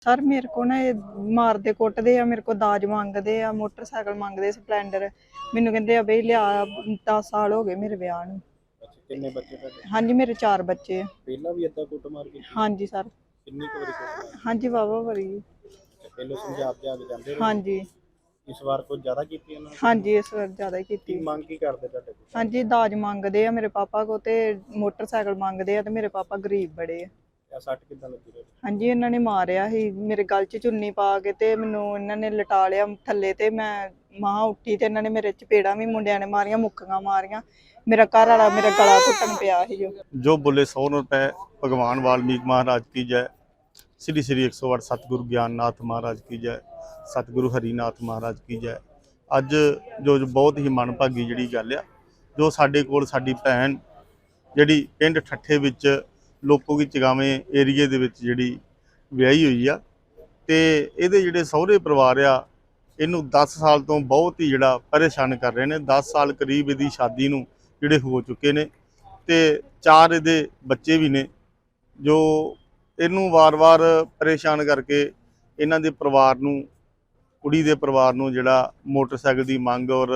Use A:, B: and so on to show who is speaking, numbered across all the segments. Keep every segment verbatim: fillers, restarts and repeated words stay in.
A: Sir ਮੇਰੇ ਕੋ ਨਾ ਇਹ ਮਾਰਦੇ ਕੁੱਟਦੇ ਆ, ਮੇਰੇ ਕੋ ਦਾਜ ਮੰਗਦੇ ਆ, ਮੋਟਰਸਾਈਕਲ ਮੰਗਦੇ, ਸਪਲੈਂਡਰ। ਮੈਨੂੰ ਕਹਿੰਦੇ ਆ ਬਈ ਲਿਆ, ਦਸ ਸਾਲ ਹੋ ਗਏ ਮੇਰੇ ਵਿਆਹ ਨੂੰ।
B: ਅੱਛਾ, ਕਿੰਨੇ ਬੱਚੇ ਤੁਹਾਡੇ?
A: ਹਾਂਜੀ ਮੇਰੇ ਚਾਰ ਬੱਚੇ ਆ।
B: ਪਹਿਲਾਂ ਵੀ ਏਦਾਂ ਕੁੱਟਮਾਰ ਕੀਤੀ?
A: ਹਾਂਜੀ ਸਰ।
B: ਕਿੰਨੀ ਕੁ ਵਾਰੀ ਕੁੱਟਮਾਰ?
A: ਹਾਂਜੀ ਵਾਹਵਾ ਵਾਰੀ।
B: ਅੱਛਾ, ਪਹਿਲਾਂ ਸਮਝਾ ਕੇ ਆ ਕੇ ਜਾਂਦੇ ਰਹੇ?
A: ਹਾਂਜੀ।
B: ਇਸ ਵਾਰ ਕੁਝ ਜ਼ਿਆਦਾ ਕੀਤੀ ਇਹਨਾਂ ਨੇ?
A: ਹਾਂਜੀ ਇਸ ਵਾਰ ਜ਼ਿਆਦਾ ਹੀ
B: ਕੀ
A: ਕੀਤੀ।
B: ਮੰਗ ਕੀ ਕਰਦੇ ਤੁਹਾਡੇ ਕੋਲ?
A: ਹਾਂਜੀ ਦਾਜ ਮੰਗਦੇ ਆ ਮੇਰੇ ਪਾਪਾ ਕੋ, ਤੇ ਮੋਟਰਸਾਈਕਲ ਮੰਗਦੇ ਆ, ਤੇ ਮੇਰੇ ਪਾਪਾ ਗਰੀਬ ਬੜੇ ਆ।
B: ਇਹ ਸੱਟ ਕਿੱਦਾਂ ਲੱਗੀ ਤੁਹਾਡੇ?
A: ਹਾਂਜੀ ਇਹਨਾਂ ਨੇ ਮਾਰਿਆ ਸੀ, ਮੇਰੇ ਗਲ 'ਚ ਚੁੰਨੀ ਪਾ ਕੇ ਤੇ ਮੈਨੂੰ ਇਹਨਾਂ ਨੇ ਲਟਾ ਲਿਆ ਥੱਲੇ, ਤੇ ਮੈਂ ਮਾਂ ਉੱਠੀ ਤੇ ਇਹਨਾਂ ਨੇ ਮੇਰੇ ਚਪੇੜਾਂ ਵੀ ਮੁੰਡਿਆਂ ਨੇ ਮਾਰੀਆਂ, ਮੁੱਕੀਆਂ ਮਾਰੀਆਂ। ਮੇਰਾ ਘਰ ਵਾਲਾ ਮੇਰਾ ਗਲਾ ਘੁੱਟਣ ਪਿਆ ਸੀ। ਜੋ
C: ਜੋ ਬੋਲੇ ਸौ रुपए भगवान वाल्मीकि महाराज की जय। श्री श्री एक सौ अठ सतगुरु ਗਿਆਨਨਾਥ महाराज की जय। सतगुरु हरिनाथ महाराज की जय। ਅੱਜ ਜੋ ਬਹੁਤ ਹੀ ਮਨਭਾਗੀ ਜਿਹੜੀ ਗੱਲ ਆ, ਜੋ ਸਾਡੇ ਕੋਲ ਸਾਡੀ ਭੈਣ ਜਿਹੜੀ ਪਿੰਡ ਠੱਠੇ ਵਿੱਚ ਲੋਕੋ ਕੀ ਚਗਾਵੇਂ ਏਰੀਏ ਦੇ ਵਿੱਚ ਜਿਹੜੀ ਵਿਆਹੀ ਹੋਈ ਆ, ਤੇ ਇਹਦੇ ਜਿਹੜੇ ਸਹੁਰੇ ਪਰਿਵਾਰ ਆ ਇਹਨੂੰ ਦਸ ਸਾਲ ਤੋਂ ਬਹੁਤ ਹੀ ਜਿਹੜਾ ਪਰੇਸ਼ਾਨ ਕਰ ਰਹੇ ਨੇ। ਦਸ ਸਾਲ ਕਰੀਬ ਇਹਦੀ ਸ਼ਾਦੀ ਨੂੰ ਜਿਹੜੇ ਹੋ ਚੁੱਕੇ ਨੇ, ਤੇ ਚਾਰ ਇਹਦੇ ਬੱਚੇ ਵੀ ਨੇ, ਜੋ ਇਹਨੂੰ ਵਾਰ-ਵਾਰ ਪਰੇਸ਼ਾਨ ਕਰਕੇ ਇਹਨਾਂ ਦੇ ਪਰਿਵਾਰ ਨੂੰ, ਕੁੜੀ ਦੇ ਪਰਿਵਾਰ ਨੂੰ ਜਿਹੜਾ ਮੋਟਰਸਾਈਕਲ ਦੀ ਮੰਗ ਔਰ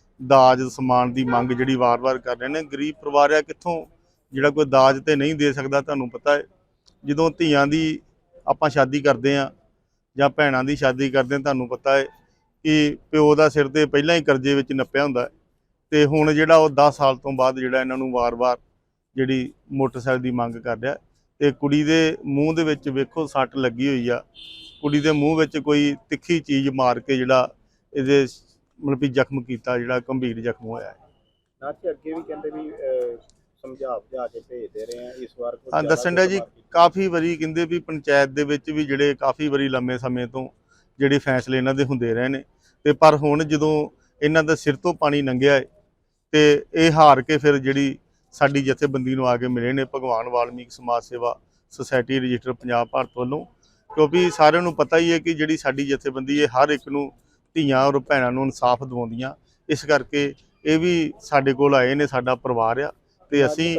C: ਦਾਜ ਸਮਾਨ ਦੀ ਮੰਗ ਜਿਹੜੀ ਵਾਰ-ਵਾਰ ਕਰ ਰਹੇ ਨੇ। ਗਰੀਬ ਪਰਿਵਾਰ ਆ, ਕਿੱਥੋਂ ਜਿਹੜਾ ਕੋਈ ਦਾਜ ਤੇ ਨਹੀਂ ਦੇ ਸਕਦਾ। ਤੁਹਾਨੂੰ ਪਤਾ ਹੈ ਜਦੋਂ ਧੀਆਂ ਦੀ ਆਪਾਂ ਸ਼ਾਦੀ ਕਰਦੇ ਆ ਜਾਂ ਭੈਣਾਂ ਦੀ ਸ਼ਾਦੀ ਕਰਦੇ ਆ, ਤੁਹਾਨੂੰ ਪਤਾ ਹੈ ਕਿ ਪਿਓ ਦਾ ਸਿਰ ਤੇ ਪਹਿਲਾਂ ਹੀ ਕਰਜ਼ੇ ਵਿੱਚ ਨੱਪਿਆ ਹੁੰਦਾ, ਤੇ ਹੁਣ ਜਿਹੜਾ ਉਹ ਦਸ ਸਾਲ ਤੋਂ ਬਾਅਦ ਜਿਹੜਾ ਇਹਨਾਂ ਨੂੰ ਵਾਰ-ਵਾਰ ਜਿਹੜੀ ਮੋਟਰਸਾਈਕਲ ਦੀ ਮੰਗ ਕਰ ਰਿਹਾ। ਤੇ ਕੁੜੀ ਦੇ ਮੂੰਹ ਦੇ ਵਿੱਚ ਵੇਖੋ ਸੱਟ ਲੱਗੀ ਹੋਈ ਆ, ਕੁੜੀ ਦੇ ਮੂੰਹ ਵਿੱਚ ਕੋਈ ਤਿੱਖੀ ਚੀਜ਼ ਮਾਰ ਕੇ ਜਿਹੜਾ ਇਹਦੇ ਮਤਲਬ ਵੀ ਜ਼ਖਮ ਕੀਤਾ, ਜਿਹੜਾ ਗੰਭੀਰ ਜ਼ਖਮ ਹੋਇਆ ਹੈ।
B: ਨਾ ਕਿ ਅੱਗੇ ਵੀ ਕਹਿੰਦੇ ਵੀ ਸਮਝਾ ਬੁਝਾ ਕੇ ਭੇਜਦੇ ਰਹੇ ਆ, ਇਸ ਵਾਰ
C: ਹਾਂ ਦੱਸਣ ਡਿਆ ਜੀ, ਕਾਫੀ ਵਾਰੀ ਕਹਿੰਦੇ ਵੀ ਪੰਚਾਇਤ ਦੇ ਵਿੱਚ ਵੀ ਜਿਹੜੇ ਕਾਫੀ ਵਾਰੀ ਲੰਮੇ ਸਮੇਂ ਤੋਂ ਜਿਹੜੇ ਫੈਸਲੇ ਇਹਨਾਂ ਦੇ ਹੁੰਦੇ ਰਹੇ ਨੇ, ਤੇ ਪਰ ਹੁਣ ਜਦੋਂ ਇਹਨਾਂ ਦਾ ਸਿਰ ਤੋਂ ਪਾਣੀ ਲੰਘਿਆ ਹੈ ਤੇ ਇਹ ਹਾਰ ਕੇ ਫਿਰ ਜਿਹੜੀ ਸਾਡੀ ਜਥੇਬੰਦੀ ਨੂੰ ਆ ਕੇ ਮਿਲੇ ਨੇ, ਭਗਵਾਨ ਵਾਲਮੀਕ ਸਮਾਜ ਸੇਵਾ ਸੁਸਾਇਟੀ ਰਜਿਸਟਰ ਪੰਜਾਬ ਭਾਰਤ ਵੱਲੋਂ। ਕਿਉਂਕਿ ਸਾਰਿਆਂ ਨੂੰ ਪਤਾ ਹੀ ਹੈ ਕਿ ਜਿਹੜੀ ਸਾਡੀ ਜਥੇਬੰਦੀ ਹੈ ਹਰ ਇੱਕ ਨੂੰ, ਧੀਆਂ ਔਰ ਭੈਣਾਂ ਨੂੰ ਇਨਸਾਫ ਦਿਵਾਉਂਦੀਆਂ। ਇਸ ਕਰਕੇ ਇਹ ਵੀ ਸਾਡੇ ਕੋਲ ਆਏ ਨੇ, ਸਾਡਾ ਪਰਿਵਾਰ ਆ, ਤੇ ਅਸੀਂ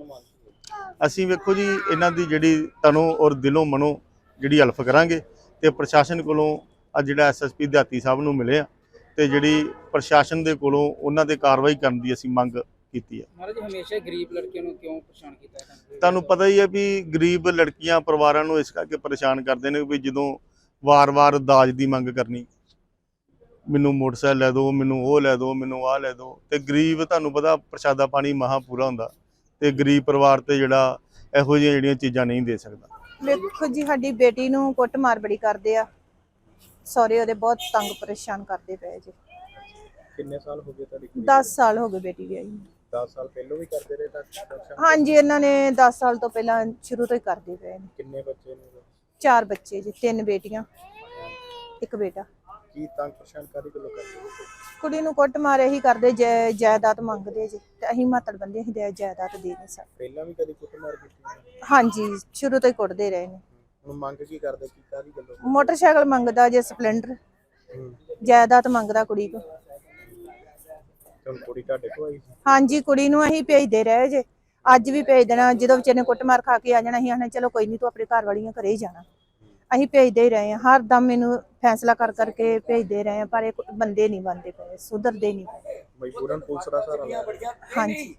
C: ਅਸੀਂ ਵੇਖੋ ਜੀ ਇਹਨਾਂ ਦੀ ਜਿਹੜੀ ਤਨੋਂ ਔਰ ਦਿਲੋਂ ਮਨੋਂ ਜਿਹੜੀ ਹੈਲਪ ਕਰਾਂਗੇ। ਤੇ ਪ੍ਰਸ਼ਾਸਨ ਕੋਲੋਂ ਅੱਜ ਜਿਹੜਾ ਐਸ ਐਸ ਪੀ ਦਿਹਾਤੀ ਸਾਹਿਬ ਨੂੰ ਮਿਲੇ ਆ, ਤੇ ਜਿਹੜੀ ਪ੍ਰਸ਼ਾਸਨ ਦੇ ਕੋਲੋਂ ਉਹਨਾਂ ਦੇ ਕਾਰਵਾਈ ਕਰਨ ਦੀ ਅਸੀਂ ਮੰਗ ਕੀਤੀ ਹੈ।
D: ਮਹਾਰਾਜ ਹਮੇਸ਼ਾ ਗਰੀਬ ਲੜਕੀਆਂ ਨੂੰ ਕਿਉਂ ਪਰੇਸ਼ਾਨ ਕੀਤਾ ਹੈ?
C: ਤੁਹਾਨੂੰ ਪਤਾ ਹੀ ਹੈ ਵੀ ਗਰੀਬ ਲੜਕੀਆਂ ਪਰਿਵਾਰਾਂ ਨੂੰ ਇਸ ਕਰਕੇ ਪਰੇਸ਼ਾਨ ਕਰਦੇ ਨੇ ਵੀ ਜਦੋਂ ਵਾਰ-ਵਾਰ ਦਾਜ ਦੀ ਮੰਗ ਕਰਨੀ, ਮੈਨੂੰ ਮੋਟਰਸਾਈਕਲ ਲੈ ਦਿਓ, ਮੈਨੂੰ ਉਹ ਲੈ ਦਿਓ, ਮੈਨੂੰ ਆਹ ਲੈ ਦਿਓ, ਤੇ ਗਰੀਬ ਤੁਹਾਨੂੰ ਪਤਾ ਪ੍ਰਸ਼ਾਦਾ ਪਾਣੀ ਮਹਾ ਪੂਰਾ ਹੁੰਦਾ, ਤੇ ਗਰੀਬ ਪਰਿਵਾਰ ਤੇ ਜਿਹੜਾ ਇਹੋ ਜਿਹੀਆਂ ਜਿਹੜੀਆਂ ਚੀਜ਼ਾਂ ਨਹੀਂ ਦੇ ਸਕਦਾ।
E: ਵੇਖੋ ਜੀ ਸਾਡੀ ਬੇਟੀ ਨੂੰ ਕੁੱਟਮਾਰ ਬੜੀ ਕਰਦੇ ਆ, ਸਹੁਰੇ ਉਹਦੇ ਬਹੁਤ ਤੰਗ ਪਰੇਸ਼ਾਨ ਕਰਦੇ ਪਏ ਜੀ।
B: ਕਿੰਨੇ ਸਾਲ ਹੋ ਗਏ ਤੁਹਾਡੀ ਕੁੜੀ?
E: ਦਸ ਸਾਲ ਹੋ ਗਏ ਬੇਟੀ ਵਿਆਹੀ ਨੂੰ।
B: ਦਸ ਸਾਲ ਪਹਿਲਾਂ ਵੀ ਕਰਦੇ ਰਹੇ ਤਾਂ?
E: ਹਾਂਜੀ ਇਹਨਾਂ ਨੇ ਦਸ ਸਾਲ ਤੋਂ ਪਹਿਲਾਂ ਸ਼ੁਰੂ ਤੋਂ ਹੀ ਕਰਦੇ ਪਏ ਨੇ।
B: ਕਿੰਨੇ ਬੱਚੇ ਨੇ?
E: ਚਾਰ ਬੱਚੇ ਜੀ, ਤਿੰਨ ਬੇਟੀਆਂ ਇੱਕ ਬੇਟਾ।
B: ਕੀ ਤੰਗ ਪਰੇਸ਼ਾਨ ਕਾਦੀ ਗੱਲੋਂ ਕਰਦੇ?
E: ਕੁੜੀ ਨੂੰ ਕੁੱਟਮਾਰ ਇਹੀ ਕਰਦੇ, ਜੈ ਜਾਇਦਾਦ ਮੰਗਦੇ ਜੀ, ਤੇ ਅਸੀਂ ਮਾਤੜ ਬੰਦੇ ਅਸੀਂ ਜਾਇਦਾਦ ਦੇ ਨਹੀਂ ਸਕਦੇ।
B: ਪਹਿਲਾਂ ਵੀ ਕਦੀ ਕੁੱਟਮਾਰ ਕੀਤੀ?
E: ਹਾਂਜੀ ਸ਼ੁਰੂ ਤੋਂ ਹੀ ਕੁੱਟਦੇ ਰਹੇ ਨੇ।
B: ਹੁਣ ਮੰਗ ਕੀ ਕਰਦੇ, ਕੀ ਕਾਦੀ ਗੱਲੋਂ?
E: ਮੋਟਰਸਾਈਕਲ ਮੰਗਦਾ ਜੇ, ਸਪਲੈਂਡਰ, ਜਾਇਦਾਦ ਮੰਗਦਾ ਕੁੜੀ ਕੋ।
B: ਹੁਣ ਕੁੜੀ ਤੁਹਾਡੇ ਕੋਲ ਆਈ ਸੀ?
E: ਹਾਂਜੀ ਕੁੜੀ ਨੂੰ ਅਸੀਂ ਭੇਜਦੇ ਰਹੇ ਜੇ, ਅੱਜ ਵੀ ਭੇਜ ਦੇਣਾ। ਜਦੋਂ ਵਿਚਾਰੇ ਨੇ ਕੁੱਟਮਾਰ ਖਾ ਕੇ ਆ ਜਾਣਾ, ਅਸੀਂ ਆਖਣਾ ਚਲੋ ਕੋਈ ਨਹੀਂ ਤੂੰ ਆਪਣੇ ਘਰ ਵਾਲੀਆਂ ਘਰੇ ਹੀ ਜਾਣਾ। ਅਸੀਂ ਭੇਜਦੇ ਹੀ ਰਹੇ ਹਾਂ, ਹਰ ਦਮ ਮੈਨੂੰ ਫੈਸਲਾ ਕਰ ਕਰਕੇ ਭੇਜਦੇ ਰਹੇ ਹਾਂ, ਪਰ ਇਹ ਬੰਦੇ ਨਹੀਂ ਬਣਦੇ ਪਏ, ਸੁਧਰਦੇ ਨਹੀਂ ਪਏ।
B: ਮਜਬੂਰਨ ਪੁਲਿਸ ਦਾ ਸਹਾਰਾ ਲਿਆ?
E: ਹਾਂਜੀ।